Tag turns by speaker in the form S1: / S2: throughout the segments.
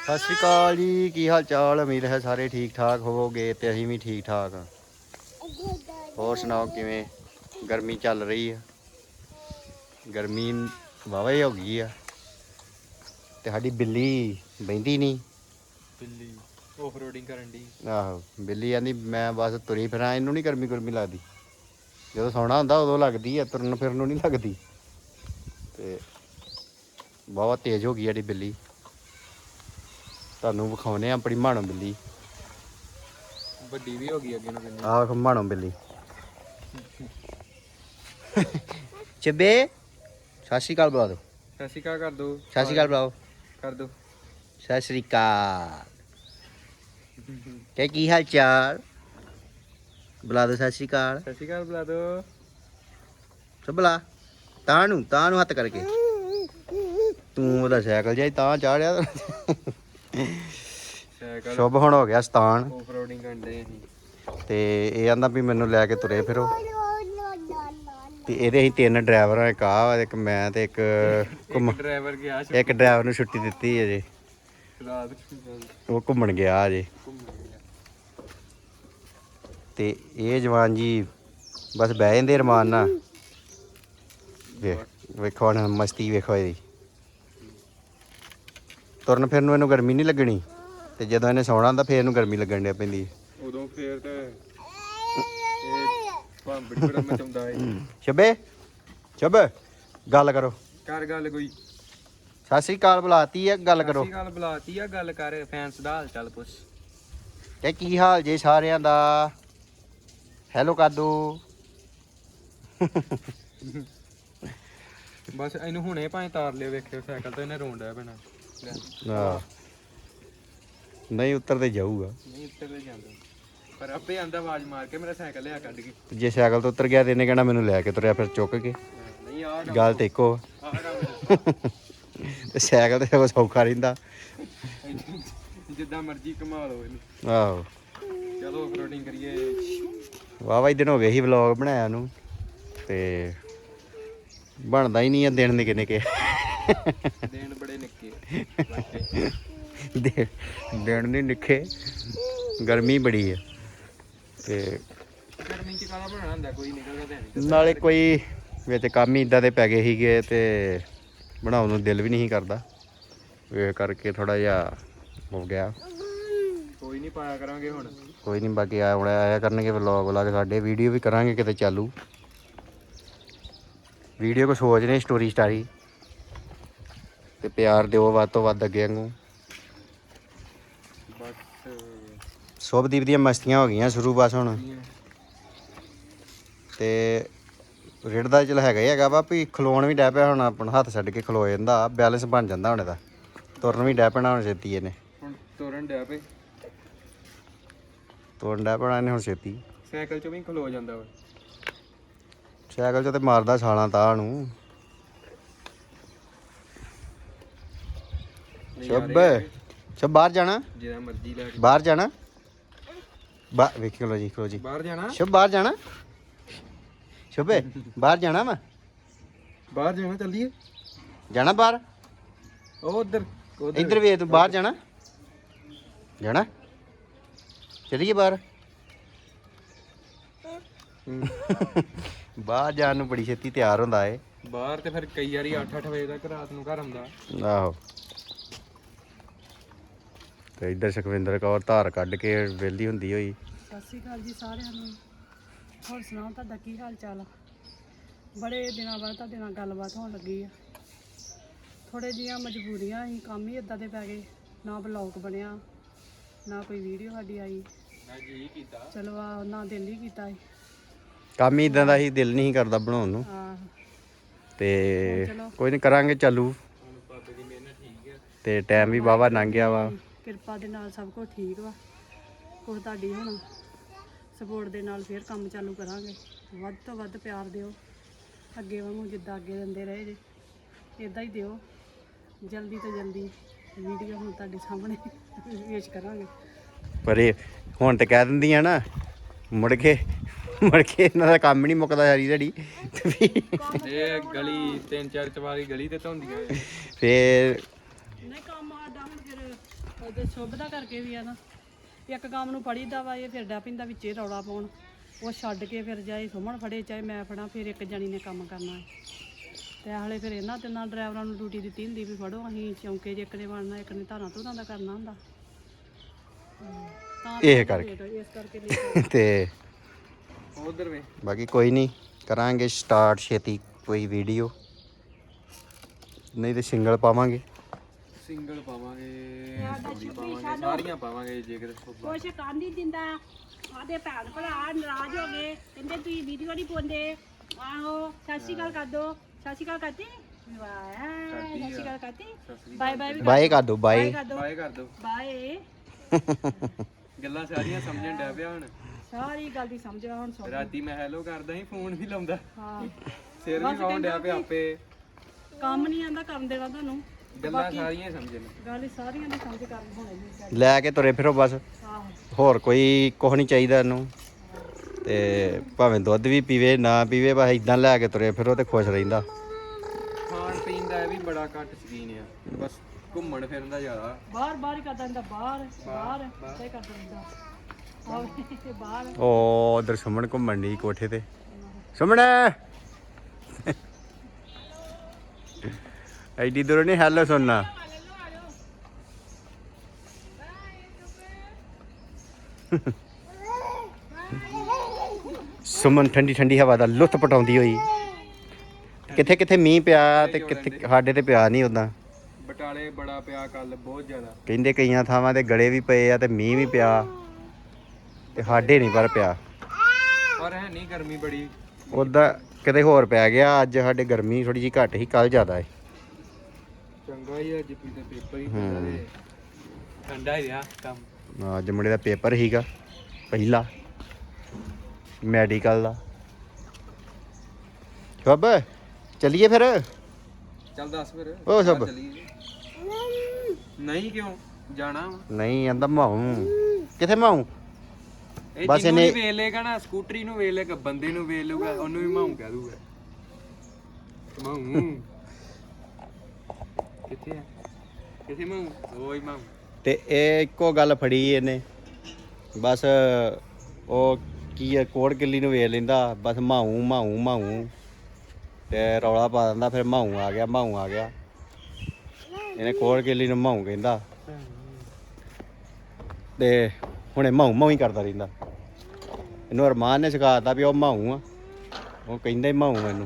S1: ਸਤਿ ਸ਼੍ਰੀ ਅਕਾਲ ਜੀ, ਕੀ ਹਾਲ ਚਾਲ। ਉਮੀਦ ਹੈ ਸਾਰੇ ਠੀਕ ਠਾਕ ਹੋਵੋਗੇ ਤੇ ਅਸੀਂ ਵੀ ਠੀਕ ਠਾਕ ਹਾਂ। ਹੋਰ ਸੁਣਾਓ ਕਿਵੇਂ? ਗਰਮੀ ਚੱਲ ਰਹੀ ਆ, ਗਰਮੀ ਵਾਹਵਾ ਹੀ ਹੋ ਗਈ ਆ ਤੇ ਸਾਡੀ ਬਿੱਲੀ ਬਹਿੰਦੀ ਨਹੀਂ।
S2: ਬਿੱਲੀ ਆਫ ਰੋਡਿੰਗ ਕਰਨ ਦੀ।
S1: ਆਹੋ, ਬਿੱਲੀ ਕਹਿੰਦੀ ਮੈਂ ਬਸ ਤੁਰੀ ਫਿਰਾਂ, ਇਹਨੂੰ ਨਹੀਂ ਗਰਮੀ ਗੁਰਮੀ ਲੱਗਦੀ। ਜਦੋਂ ਸੌਣਾ ਹੁੰਦਾ ਉਦੋਂ ਲੱਗਦੀ ਆ, ਤੁਰਨ ਫਿਰਨ ਨੂੰ ਨਹੀਂ ਲੱਗਦੀ। ਤੇ ਬਹੁਤ ਤੇਜ਼ ਹੋ ਗਈ ਸਾਡੀ ਬਿੱਲੀ। ਤੁਹਾਨੂੰ ਵਿਖਾਉਨੇ ਆ ਆਪਣੀ ਮਾਣੋ ਬਿੱਲੀ।
S2: ਵੱਡੀ ਵੀ ਹੋ ਗਈ ਅੱਗੇ ਨੂੰ ਕਿੰਨੀ।
S1: ਆਹ ਮਾਣੋ ਬਿੱਲੀ। ਚੱਬੇ ਸਤਿ ਸ਼੍ਰੀ ਅਕਾਲ ਬੁਲਾ ਦਿਓ।
S2: ਸਤਿ ਸ਼੍ਰੀ ਅਕਾਲ ਕਰ ਦੋ।
S1: ਸਤਿ ਸ਼੍ਰੀ ਅਕਾਲ ਬੁਲਾਓ।
S2: ਕਰ ਦੋ।
S1: ਸਤਿ ਸ਼੍ਰੀ ਅਕਾਲ। ਤੇ ਕੀ ਹਾਲ ਚਾਲ? ਬੁਲਾ ਦਿਓ ਸਤਿ ਸ਼੍ਰੀ ਅਕਾਲ।
S2: ਸਤਿ ਸ਼੍ਰੀ ਅਕਾਲ ਬੁਲਾ ਦੋ।
S1: ਸਭ ਬੁਲਾ। ਤਾਂ ਨੂੰ ਹੱਥ ਕਰਕੇ। ਤੂੰ ਉਹਦਾ ਸਾਈਕਲ ਜਿਹਾ ਤਾਂ ਚਾੜਿਆ।
S2: ਸਾਈਕਲ
S1: ਸ਼ੁਭ ਹੁਣ ਹੋ ਗਿਆ ਸਤਾਨ
S2: ਆਫ ਰੋਡਿੰਗ ਕਰਨ ਦੇ ਅਸੀਂ।
S1: ਤੇ ਇਹ ਆਂਦਾ ਵੀ ਮੈਨੂੰ ਲੈ ਕੇ ਤੁਰੇ ਫਿਰੋ। ਤੇ ਇਹਦੇ ਅਸੀਂ 3 ਡਰਾਈਵਰ ਆ, ਇੱਕ ਆ, ਇੱਕ ਮੈਂ ਤੇ ਇੱਕ
S2: ਡਰਾਈਵਰ ਗਿਆ
S1: ਇੱਕ ਡਰਾਈਵਰ ਨੂੰ ਛੁੱਟੀ ਦਿੱਤੀ ਅਜੇ,
S2: ਰਾਤ
S1: ਉਹ ਘੁੰਮਣ ਗਿਆ ਅਜੇ। ਤੇ ਇਹ ਜਵਾਨ ਜੀ ਬਸ ਬਹਿ ਜਾਂਦੇ ਰਮਾਨ ਨਾਲ। ਵੇਖੋ ਹੁਣ ਮਸਤੀ ਵੇਖੋ ਇਹਦੀ। ਤੁਰਨ ਫਿਰਨ ਨੂੰ ਇਹਨੂੰ ਗਰਮੀ ਨਹੀਂ ਲੱਗਣੀ, ਤੇ ਜਦੋਂ ਇਹਨੇ ਸੌਣਾ ਹੁੰਦਾ ਫੇਰ ਇਹਨੂੰ ਗਰਮੀ ਲੱਗਣ ਡਿਆ ਪੈਂਦੀ।
S2: ਉਦੋਂ ਫੇਰ ਤੇ ਇਹ ਭਾਂਬੜੀ ਬੜਾ ਮਚਾਉਂਦਾ ਹੈ।
S1: ਸ਼ਬੇ ਗੱਲ ਕਰੋ।
S2: ਕਰ ਗੱਲ ਕੋਈ।
S1: ਸਤਿ ਸ਼੍ਰੀ ਅਕਾਲ ਬੁਲਾਤੀ ਆ, ਗੱਲ ਕਰੋ।
S2: ਸਤਿ ਸ਼੍ਰੀ ਅਕਾਲ ਬੁਲਾਤੀ ਆ, ਗੱਲ ਕਰ। ਫੈਨਸ ਦਾ ਹਾਲ ਚਾਲ ਪੁੱਛ।
S1: ਤੇ ਕੀ ਹਾਲ ਜੇ ਸਾਰਿਆਂ ਦਾ? ਹੈਲੋ ਕਰ ਦੋ।
S2: ਬਸ ਇਹਨੂੰ ਹੁਣੇ ਭਾਵੇਂ ਤਾਰ ਲਿਓ, ਵੇਖਿਓ ਸਾਈਕਲ ਤੇ ਇਹਨੇ ਰੋਣ ਡਿਆ ਪੈਣਾ।
S1: ਆਹ ਨਹੀਂ ਉੱਤਰ ਤੇ ਜਾਊਗਾ।
S2: ਨਹੀਂ ਉੱਤਰ ਤੇ ਜਾਂਦਾ, ਪਰ ਆਪੇ ਆਂਦਾ ਆਵਾਜ਼ ਮਾਰ ਕੇ ਮੇਰਾ ਸਾਈਕਲ ਲਿਆ ਕੱਢ ਕੇ।
S1: ਜੇ ਸਾਈਕਲ ਤੋਂ ਉੱਤਰ ਗਿਆ ਤੇ ਇਹਨੇ ਕਹਿਣਾ ਮੈਨੂੰ ਲੈ ਕੇ ਤੁਰਿਆ ਫਿਰ ਚੁੱਕ ਕੇ।
S2: ਨਹੀਂ ਆ
S1: ਗੱਲ ਤੇ ਇੱਕੋ। ਤੇ ਸਾਈਕਲ ਤੇ ਸੌਖਾ ਰਹਿੰਦਾ।
S2: ਜਿੱਦਾਂ ਮਰਜ਼ੀ ਘੁਮਾ ਲਓ ਇਹਨੂੰ।
S1: ਆਹੋ
S2: ਚਲੋ ਆਫ ਰੋਡਿੰਗ ਕਰੀਏ।
S1: ਵਾਹਵਾ ਦਿਨ ਹੋ ਗਏ ਸੀ ਵਲੌਗ ਬਣਾਇਆ ਨੂੰ, ਤੇ ਬਣਦਾ ਹੀ ਨਹੀਂ ਆ। ਦਿਨ ਨਿੱਕੇ ਨਿੱਕੇ
S2: ਦਿਨ ਬੜੇ ਨਿੱਕੇ।
S1: ਦਿਨ ਨਹੀਂ ਨਿੱਕੇ, ਗਰਮੀ ਬੜੀ ਹੈ। ਤੇ
S2: ਗਰਮੀ ਚ ਕਾਹਦਾ ਬਣਾਉਣਾ ਹੁੰਦਾ, ਕੋਈ ਨਿਕਲਦਾ ਤਾਂ ਨਹੀਂ।
S1: ਨਾਲੇ ਕੋਈ ਵਿੱਚ ਕੰਮ ਹੀ ਇੱਦਾਂ ਦੇ ਪੈ ਗਏ ਸੀਗੇ ਤੇ ਬਣਾਉਣ ਨੂੰ ਦਿਲ ਵੀ ਨਹੀਂ ਕਰਦਾ। ਇਹ ਕਰਕੇ ਥੋੜਾ ਜਿਹਾ ਹੋ ਗਿਆ।
S2: ਕੋਈ ਨਹੀਂ ਪਾਇਆ ਕਰਾਂਗੇ ਹੁਣ।
S1: ਕੋਈ ਨਹੀਂ, ਬਾਕੀ ਆਇਆ ਕਰਨਗੇ ਵਲੌਗ ਸਾਡੇ, ਵੀਡੀਓ ਵੀ ਕਰਾਂਗੇ ਕਿਤੇ ਚਾਲੂ। ਵੀਡੀਓ ਕੋ ਸੋਚ ਰਹੇ ਸਟੋਰੀ ਸਟਾਰੀ, ਤੇ ਪਿਆਰ ਦਿਓ ਵੱਧ ਤੋਂ ਵੱਧ ਅੱਗੇ ਵਾਂਗੂ।
S2: ਬਸ
S1: ਸ਼ੁਭਦੀਪ ਦੀਆਂ ਮਸਤੀਆਂ ਹੋ ਗਈਆਂ ਸ਼ੁਰੂ ਬਸ ਹੁਣ। ਤੇ ਰਿੜਦਾ ਚਲ ਹੈਗਾ ਹੀ ਹੈਗਾ ਵਾ ਵੀ ਖਲੋਣ ਵੀ ਡੈ ਪਿਆ ਹੁਣ, ਆਪਣਾ ਹੱਥ ਛੱਡ ਕੇ ਖਲੋ ਜਾਂਦਾ, ਬੈਲੈਂਸ ਬਣ ਜਾਂਦਾ ਹੁਣ ਇਹਦਾ। ਤੁਰਨ ਵੀ ਡੈ ਪੈਣਾ ਹੁਣ ਛੇਤੀ ਇਹਨੇ।
S2: ਹੁਣ ਤੁਰਨ ਡਿਆ ਪਏ।
S1: ਤੁਰਨ ਡੈ ਪੈਣਾ ਇਹਨੇ ਹੁਣ ਛੇਤੀ।
S2: ਸਾਈਕਲ 'ਚ ਵੀ ਖਲੋ ਜਾਂਦਾ ਵਾ।
S1: ਸਾਈਕਲ 'ਚ ਤੇ ਮਾਰਦਾ ਛਾਲਾਂ ਤਾਂ ਨੂੰ। ਸ਼ੁਭ ਬਾਹਰ ਜਾਣਾ?
S2: ਜਿਹੜਾ ਮਰਜ਼ੀ ਲੈ ਕੇ।
S1: ਬਾਹਰ ਜਾਣਾ? ਵੇਖੀ ਖਲੋ ਜੀ, ਖਲੋ ਜੀ।
S2: ਬਾਹਰ ਜਾਣਾ?
S1: ਸ਼ੁਭ ਬਾਹਰ ਜਾਣਾ? ਸ਼ੁਭੇ ਬਾਹਰ ਜਾਣਾ ਵਾ?
S2: ਬਾਹਰ ਜਾਣਾ, ਚੱਲੀਏ।
S1: ਜਾਣਾ ਬਾਹਰ?
S2: ਉਹ ਉਧਰ
S1: ਇੱਧਰ ਵੇਖ ਤੂੰ, ਬਾਹਰ ਜਾਣਾ? ਜਾਣਾ? ਚੱਲੀਏ ਬਾਹਰ? ਬਾਹਰ ਜਾਣ ਨੂੰ ਬੜੀ ਛੇਤੀ ਤਿਆਰ ਹੁੰਦਾ ਏ।
S2: ਬਾਹਰ ਤੇ ਫਿਰ ਕਈ ਵਾਰੀ 8-8 ਵਜੇ ਤੱਕ ਰਾਤ ਨੂੰ ਘਰ ਆਉਂਦਾ।
S1: ਆਹੋ। ਤੇ ਇੱਧਰ ਸੁਖਵਿੰਦਰ ਕੌਰ ਧਾਰ ਕੱਢ ਕੇ ਵਿਹਲੀ ਹੁੰਦੀ ਹੋਈ।
S3: ਸਤਿ ਸ਼੍ਰੀ ਅਕਾਲ ਜੀ ਸਾਰਿਆਂ ਨੂੰ। ਹੋਰ ਸੁਣਾਓ ਤੁਹਾਡਾ ਕੀ ਹਾਲ ਚਾਲ ਆ? ਬੜੇ ਦਿਨਾਂ ਬਾਅਦ ਤੁਹਾਡੇ ਨਾਲ ਗੱਲਬਾਤ ਹੋਣ ਲੱਗੀ ਆ। ਥੋੜ੍ਹੇ ਜਿਹੀਆਂ ਮਜਬੂਰੀਆਂ ਸੀ, ਕੰਮ ਹੀ ਇੱਦਾਂ ਦੇ ਪੈ ਗਏ, ਨਾ ਬਲੌਗ ਬਣਿਆ, ਨਾ ਕੋਈ ਵੀਡੀਓ ਸਾਡੀ ਆਈ।
S2: ਮੈਂ ਜੀ ਕੀਤਾ।
S3: ਚਲੋ ਆ ਨਾ ਦਿਲ ਹੀ ਕੀਤਾ ਸੀ।
S1: ਕੰਮ ਹੀ ਇਦਾਂ ਦਾ ਹੀ, ਦਿਲ ਨਹੀਂ ਕਰਦਾ ਬਣਾਉਣ ਨੂੰ। ਤੇ ਕੋਈ ਨਹੀਂ, ਕਰਾਂਗੇ ਚਾਲੂ।
S2: ਬਾਬੇ ਦੀ ਮਿਹਨਤ ਠੀਕ ਹੈ।
S1: ਤੇ ਟਾਈਮ ਵੀ ਵਾਹਵਾ ਲੰਘ ਗਿਆ ਵਾ।
S3: ਕਿਰਪਾ ਦੇ ਨਾਲ ਸਭ ਕੁਝ ਠੀਕ ਵਾ। ਕੁਛ ਤੁਹਾਡੀ ਹੁਣ ਸਪੋਰਟ ਦੇ ਨਾਲ ਫੇਰ ਕੰਮ ਚਾਲੂ ਕਰਾਂਗੇ। ਵੱਧ ਤੋਂ ਵੱਧ ਪਿਆਰ ਦਿਓ, ਅੱਗੇ ਵਾਂਗੂ ਜਿੱਦਾਂ ਅੱਗੇ ਦਿੰਦੇ ਰਹੇ ਜੇ ਇੱਦਾਂ ਹੀ ਦਿਓ। ਜਲਦੀ ਤੋਂ ਜਲਦੀ ਵੀਡੀਓ ਹੁਣ ਤੁਹਾਡੇ ਸਾਹਮਣੇ ਪੇਸ਼ ਕਰਾਂਗੇ।
S1: ਪਰ ਇਹ ਹੁਣ ਤੇ ਕਹਿ ਦਿੰਦੀਆਂ ਨਾ, ਮੁੜ ਕੇ ਇਹਨਾਂ ਦਾ ਕੰਮ ਨਹੀਂ ਮੁੱਕਦਾ ਸਾਰੀ ਦਿਹਾੜੀ।
S2: ਇਹ ਗਲੀ 3-4 ਚਵਾਰੀ ਗਲੀ ਤੇ ਧੋਂਦੀਆਂ।
S1: ਫੇਰ
S3: ਨਹੀਂ ਕੰਮ ਸਾਡਾ ਹੁਣ ਫਿਰ ਉਹਦੇ ਸ਼ੁਭ ਦਾ ਕਰਕੇ ਵੀ ਆ ਨਾ, ਇੱਕ ਕੰਮ ਨੂੰ ਫੜੀਦਾ ਵਾ, ਇਹ ਫਿਰ ਡਾ ਪਿੰਦਾ ਵਿੱਚੇ ਰੌਲਾ ਪਾਉਣ, ਉਹ ਛੱਡ ਕੇ ਫਿਰ ਜਾਏ ਸੁਮਨ ਫੜੇ ਚਾਹੇ ਮੈਂ ਫੜਾਂ, ਫਿਰ ਇੱਕ ਜਣੀ ਨੇ ਕੰਮ ਕਰਨਾ ਹੈ। ਤੇ ਹਾਲੇ ਫਿਰ ਇਹਨਾਂ ਤਿੰਨਾਂ ਡਰਾਈਵਰਾਂ ਨੂੰ ਡਿਊਟੀ ਦਿੱਤੀ ਹੁੰਦੀ ਵੀ ਫੜੋ, ਅਸੀਂ ਚੌਂਕੇ 'ਚ ਇੱਕ ਨੇ ਬਣਨਾ, ਇੱਕ ਨੇ ਧਾਰਾਂ ਧੁਰਾਂ ਦਾ ਕਰਨਾ ਹੁੰਦਾ। ਤਾਂ
S1: ਇਹ ਕਰਕੇ
S3: ਇਸ ਕਰਕੇ late
S1: ਤੇ
S2: ਉਧਰ ਵੇ
S1: ਬਾਕੀ ਕੋਈ ਨਹੀਂ, ਕਰਾਂਗੇ ਸਟਾਰਟ ਛੇਤੀ ਕੋਈ ਵੀਡੀਓ, ਨਹੀਂ ਤੇ ਸਿੰਗਲ ਪਾਵਾਂਗੇ।
S2: ਸਿੰਗਲ ਪਾਵਾਂਗੇ, ਜੋੜੀ ਪਾਵਾਂਗੇ, ਸਾਰੀਆਂ ਪਾਵਾਂਗੇ ਜੇ ਕਿਤੇ
S3: ਕੁਛ ਕਰ ਨਹੀਂ ਦਿੰਦਾ, ਆਦੇ ਭੈਣ ਭਰਾ ਨਾਰਾਜ਼ ਹੋ ਗਏ, ਕਹਿੰਦੇ ਤੁਸੀਂ ਵੀਡੀਓ ਨਹੀਂ ਪਾਉਂਦੇ। ਆਹੋ ਸਤਿ ਸ਼੍ਰੀ ਅਕਾਲ ਕਰ ਦੋ, ਸਤਿ ਸ਼੍ਰੀ ਅਕਾਲ ਕਰਤੀ, ਵਾਹ ਸਤਿ ਸ਼੍ਰੀ ਅਕਾਲ ਕਰਤੀ, ਬਾਏ ਬਾਏ ਵੀ
S1: ਬਾਏ ਕਰ ਦੋ, ਬਾਏ।
S2: ਬਾਏ ਕਰ ਦੋ।
S3: ਬਾਏ।
S2: ਗੱਲਾਂ ਸਾਰੀਆਂ ਸਮਝਣ ਡਿਆ ਪਿਆ ਹੁਣ।
S3: ਸਾਰੀ ਗੱਲ ਦੀ ਸਮਝ ਆ ਹੁਣ ਸੁਣ।
S2: ਰਾਤੀ ਮੈਂ ਹੈਲੋ ਕਰਦਾ ਸੀ, ਫੋਨ ਵੀ ਲਾਉਂਦਾ,
S3: ਹਾਂ
S2: ਸਿਰ ਵੀ ਖਾਉਣ ਡਿਆ ਪਿਆ ਆਪੇ।
S3: ਕੰਮ ਨਹੀਂ ਆਂਦਾ ਕਰਨ ਦੇਣਾ ਤੁਹਾਨੂੰ,
S2: ਗੱਲਾਂ ਸਾਰੀਆਂ ਸਮਝਣ।
S3: ਗੱਲ ਹੀ ਸਾਰੀਆਂ ਦੀ ਸਮਝ ਕਰਨ ਹੋਣੇ ਜੀ।
S1: ਲੈ ਕੇ ਤੁਰੇ ਫਿਰੋ ਬਸ,
S3: ਆਹੋ
S1: ਹੋਰ ਕੋਈ ਕੁਛ ਨਹੀਂ ਚਾਹੀਦਾ ਇਹਨੂੰ। ਤੇ ਭਾਵੇਂ ਦੁੱਧ ਵੀ ਪੀਵੇ ਨਾ ਪੀਵੇ, ਬਸ ਇਦਾਂ ਲੈ ਕੇ ਤੁਰੇ ਫਿਰੋ ਤੇ ਖੁਸ਼ ਰਹਿੰਦਾ।
S2: ਖਾਣ ਪੀਣ ਦਾ ਇਹ ਵੀ ਬੜਾ ਘੱਟ ਸ਼ਕੀਨ ਆ, ਬਸ ਘੁੰਮਣ ਫਿਰਨ ਦਾ ਜ਼ਿਆਦਾ।
S3: ਬਾਹਰ ਬਾਹਰ ਹੀ ਕਰਦਾ ਰਹਿੰਦਾ, ਬਾਹਰ ਬਾਹਰ ਤੇ ਕਰਦਾ ਰਹਿੰਦਾ, ਆਹ ਬਾਹਰ।
S1: ਉਹ ਉਧਰ ਸੁਮਨ ਘੁੰਮਣ ਦੀ ਕੋਠੇ ਤੇ, ਸੁਮਨ ਐਡੀ ਦੂਰ ਨਹੀਂ ਹੈਲੋ ਸੁਣਨਾ। ਸੁਮਨ ਠੰਡੀ ਠੰਡੀ ਹਵਾ ਦਾ ਲੁੱਤ ਪਟਾਉਂਦੀ ਹੋਈ। ਕਿੱਥੇ ਕਿੱਥੇ ਮੀਂਹ ਪਿਆ ਤੇ ਕਿੱਥੇ ਸਾਡੇ ਤੇ ਪਿਆ ਨਹੀਂ ਉਦਾਂ।
S2: ਬਟਾਲੇ ਬੜਾ ਪਿਆ ਕੱਲ, ਬਹੁਤ ਜ਼ਿਆਦਾ।
S1: ਕਹਿੰਦੇ ਕਈਆਂ ਥਾਵਾਂ ਤੇ ਗੜੇ ਵੀ ਪਏ ਆ ਤੇ ਮੀਂਹ ਵੀ ਪਿਆ, ਤੇ ਸਾਡੇ ਨਹੀਂ ਪਰ ਪਿਆ।
S2: ਪਰ ਹੈ ਨਹੀਂ, ਗਰਮੀ ਬੜੀ।
S1: ਉਦਾਂ ਕਿਤੇ ਹੋਰ ਪੈ ਗਿਆ, ਅੱਜ ਸਾਡੇ ਗਰਮੀ ਥੋੜੀ ਜਿਹੀ ਘੱਟ ਸੀ, ਕੱਲ ਜ਼ਿਆਦਾ ਹੈ।
S2: ਚੰਗਾ ਹੀ ਅੱਜ ਵੀ ਤੇ ਪੇਪਰ ਹੀ ਹੁੰਦਾ ਤੇ ਠੰਡਾ ਹੀ ਰਿਹਾ ਕੰਮ।
S1: ਅੱਜ ਮੁੰਡੇ ਦਾ ਪੇਪਰ ਸੀਗਾ ਪਹਿਲਾ ਮੈਡੀਕਲ ਦਾ। ਸ਼ੁਭ ਚੱਲੀਏ ਫਿਰ।
S2: ਚੱਲ ਦੱਸ ਫਿਰ।
S1: ਉਹ ਸਭ।
S2: ਚੱਲੀਏ। ਨਹੀਂ ਕਿਉਂ ਜਾਣਾ ਵਾ?
S1: ਨਹੀਂ ਕਹਿੰਦਾ ਮਾਊ। ਕਿੱਥੇ ਮਾਊ?
S2: ਇਹ
S1: ਬਸ
S2: ਜਿਹਨੂੰ
S1: ਇਹਨੇ-
S2: ਵੀ ਵੇਖ ਲੇਗਾ ਨਾ, ਸਕੂਟਰੀ ਨੂੰ ਵੇਖ ਲੇਗਾ, ਬੰਦੇ ਨੂੰ ਵੇਖ ਲੂਗਾ, ਉਹਨੂੰ ਵੀ ਮਾਊ ਕਹਿ ਦੂਗਾ। ਮਾਊ ਕਿੱਥੇ ਆ? ਕਿੱਥੇ ਮਾਊ? ਓਏ ਮਾਊ।
S1: ਤੇ ਇਹ ਇੱਕੋ ਗੱਲ ਫੜੀ ਇਹਨੇ, ਬਸ ਉਹ ਕੀ ਹੈ, ਕੋੜ ਕਿੱਲੀ ਨੂੰ ਵੇਖ ਲੈਂਦਾ, ਬਸ ਮਾਊ ਮਾਊ ਮਾਊ ਤੇ ਰੌਲਾ ਪਾ ਦਿੰਦਾ, ਫਿਰ ਮਾਊ ਆ ਗਿਆ ਮਾਊ ਆ ਗਿਆ। ਇਹਨੇ ਕੋੜ ਕਿੱਲੀ ਨੂੰ ਮਾਊ ਕਹਿੰਦਾ ਤੇ ਹੁਣੇ ਮਾਊ ਮਾਊ ਹੀ ਕਰਦਾ ਰਹਿੰਦਾ। ਇਹਨੂੰ ਅਰਮਾਨ ਨੇ ਸਿਖਾਤਾ ਵੀ ਉਹ ਮਾਊ ਆ, ਉਹ ਕਹਿੰਦਾ ਹੀ ਮਾਊ ਮੈਨੂੰ।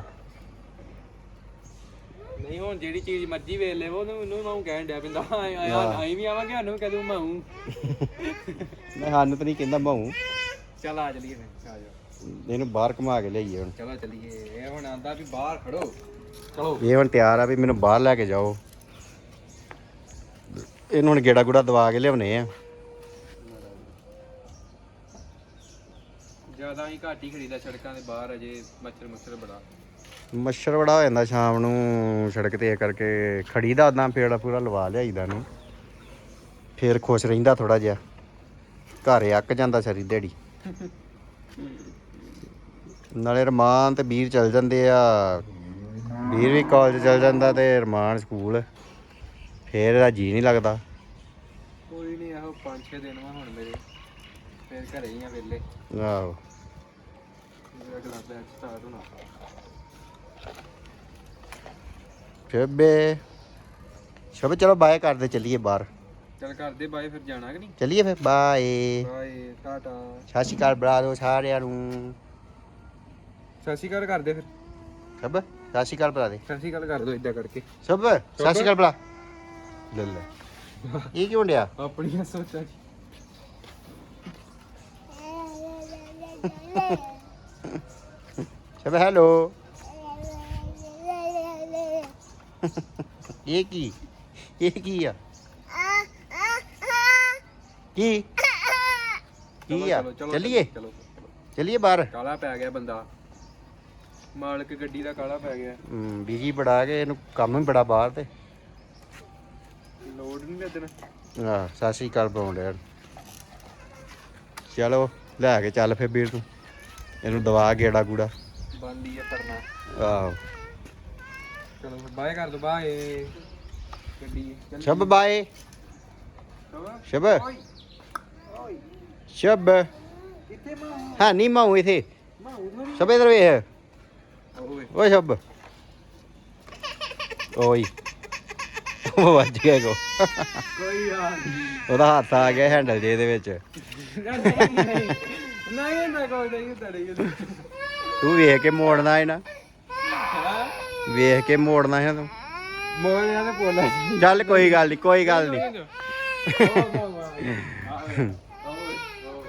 S2: ਨਹੀਂ ਹੁਣ ਜਿਹੜੀ ਚੀਜ਼ ਮਰਜ਼ੀ ਵੇਖ ਲੈ, ਉਹਨੂੰ ਮਾਊ ਕਹਿਣ ਡਿਆ ਪਿੰਦਾ। ਆਈ ਵੀ ਆਵਾਂਗੇ, ਸਾਨੂੰ ਕਹਿ ਦੂ ਮਾਊ।
S1: ਮੈਂ ਸਾਨੂੰ ਤਾਂ ਨਹੀਂ ਕਹਿੰਦਾ ਮਾਊ।
S2: ਚੱਲ ਆ ਚਲੀਏ ਫਿਰ, ਆ ਜਾ।
S1: ਇਹਨੂੰ ਬਾਹਰ ਘੁਮਾ ਕੇ ਲਿਆਈਏ ਹੁਣ।
S2: ਚਲੋ ਚਲੀਏ। ਇਹ ਹੁਣ ਆਂਦਾ ਵੀ ਬਾਹਰ ਖੜੋ, ਚਲੋ।
S1: ਇਹ ਹੁਣ ਤਿਆਰ ਆ ਵੀ ਮੈਨੂੰ ਬਾਹਰ ਲੈ ਕੇ ਜਾਓ। ਇਹਨੂੰ ਹੁਣ ਗੇੜਾ ਗੂੜਾ ਦਵਾ ਕੇ ਲਿਆਉਣੇ ਆ।
S2: ਜ਼ਿਆਦਾ ਹੀ ਘੱਟ ਹੀ ਖੜੀਦਾ ਸੜਕਾਂ ਦੇ ਬਾਹਰ, ਅਜੇ ਮੱਛਰ ਮੁੱਛਰ ਬੜਾ।
S1: ਮੱਛਰ ਬੜਾ ਹੋ ਜਾਂਦਾ ਸ਼ਾਮ ਨੂੰ ਸੜਕ ਤੇ, ਇਹ ਕਰਕੇ ਖੜੀਦਾ ਉਦਾਂ ਪੇੜਾ ਪੂਰਾ ਲਵਾ ਲਿਆਈਦਾ ਨੂੰ, ਫੇਰ ਖੁਸ਼ ਰਹਿੰਦਾ ਥੋੜਾ ਜਿਹਾ। ਘਰ ਅੱਕ ਜਾਂਦਾ ਸਾਰੀ ਦਿਹਾੜੀ। ਨਾਲੇ ਰਮਾਨ ਤੇ ਵੀਰ ਚਲ ਜਾਂਦੇ ਆ, ਵੀਰ ਵੀ ਕਾਲਜ ਚਲ ਜਾਂਦਾ ਤੇ ਰਮਾਨ ਸਕੂਲ, ਫੇਰ ਇਹਦਾ ਜੀ ਨਹੀਂ ਲੱਗਦਾ।
S2: ਕੋਈ ਨਹੀਂ, ਇਹੋ 5-6 ਦਿਨ ਵਾ ਹੁਣ ਮੇਰੇ, ਫੇਰ ਘਰੇ ਹੀ ਆ ਵੇਲੇ।
S1: ਆਹੋ
S2: ਮੇਰਾ ਅਗਲਾ ਬੈਚ ਸਟਾਰਟ ਹੋਣਾ।
S1: ਸ਼ੁਭੇ ਸ਼ੁਭ ਚਲੋ ਬਾਏ ਕਰਦੇ, ਚੱਲੀਏ ਬਾਹਰ।
S2: ਚੱਲ ਕਰਦੇ ਬਾਏ, ਫਿਰ ਜਾਣਾ ਕਿ ਨਹੀਂ?
S1: ਚੱਲੀਏ ਫਿਰ, ਬਾਏ।
S2: ਬਾਏ, ਟਾਟਾ।
S1: ਸਤਿ ਸ਼੍ਰੀ ਅਕਾਲ ਬੁਲਾ ਦਿਓ ਸਾਰਿਆਂ ਨੂੰ।
S2: ਸਤਿ ਸ਼੍ਰੀ ਅਕਾਲ ਕਰਦੇ ਫਿਰ।
S1: ਸ਼ੁਭ ਸਤਿ ਸ਼੍ਰੀ ਅਕਾਲ ਬੁਲਾ ਦੇ।
S2: ਸਤਿ ਸ਼੍ਰੀ ਅਕਾਲ ਕਰ ਦੋ ਇਦਾਂ ਕਰਕੇ।
S1: ਸ਼ੁਭ ਸਤਿ ਸ਼੍ਰੀ ਅਕਾਲ ਬੁਲਾ। ਲੈ ਲੈ, ਇਹ ਕੀ ਹੁੰਦਿਆ?
S2: ਆਪਣੀਆਂ ਸੋਚਾਂ ਜੀ।
S1: ਸ਼ੁਭ ਹੈਲੋ। ਇਹ ਕੀ ਆ? ਕੀ ਕੀ ਆ? ਚੱਲੀਏ
S2: ਚਲੋ।
S1: ਚੱਲੀਏ ਬਾਹਰ।
S2: ਕਾਲਾ ਪੈ ਗਿਆ ਬੰਦਾ, ਮਾਲਕ ਗੱਡੀ ਦਾ ਕਾਲਾ ਪੈ ਗਿਆ।
S1: ਬਿਜੀ ਬੜਾ ਕੇ ਇਹਨੂੰ ਕੰਮ ਵੀ ਬੜਾ ਬਾਹਰ ਤੇ।
S2: ਲੋਡ ਨਹੀਂ ਲੱਗਣਾ।
S1: ਆਹ ਸਤਿ ਸ਼੍ਰੀ ਅਕਾਲ ਬੁਲਾਉਂਦੇ। ਚਲੋ ਲੈ ਕੇ ਚੱਲ ਫਿਰ ਵੀਰ ਤੂੰ, ਇਹਨੂੰ ਦਵਾ ਗੇੜਾ ਗੂੜਾ।
S2: ਬੰਦੀ ਆ ਪਰਨਾ।
S1: ਆਹੋ
S2: ਚਲੋ ਬਾਏ ਕਰ ਦੋ, ਬਾਏ ਗੱਡੀ।
S1: ਸ਼ੁਭ ਬਾਏ। ਸ਼ਬ
S2: ਓਏ ਓਏ
S1: ਸ਼ਬ
S2: ਕਿੱਥੇ ਮਾਂ
S1: ਹਾਂ ਨਹੀਂ ਮਾਉ ਇਥੇ
S2: ਮਾਂ ਉਧਰ
S1: ਸ਼ਬ ਇਧਰ ਵੇਖ
S2: ਓਏ
S1: ਓਏ ਸ਼ਬ ਓਏ ਉਹ ਵੱਜ ਗਿਆ ਕੋ
S2: ਕੋਈ ਯਾਰ
S1: ਉਹਦਾ ਹੱਥ ਆ ਗਿਆ ਹੈਂਡਲ ਜੇ ਇਹਦੇ ਵਿੱਚ
S2: ਨਹੀਂ ਨਾ ਕੋਈ ਨਹੀਂ ਤੜੀ
S1: ਤੂੰ ਵੇਖ ਕੇ ਮੋੜਨਾ ਹੈ ਨਾ ਵੇਖ ਕੇ ਮੋੜਨਾ ਹੈ ਤੂੰ
S2: ਮੋਰ ਯਾਰ ਬੋਲਾ
S1: ਚੱਲ ਕੋਈ ਗੱਲ ਨਹੀਂ ਕੋਈ ਗੱਲ ਨਹੀਂ
S2: ਨਹੀਂ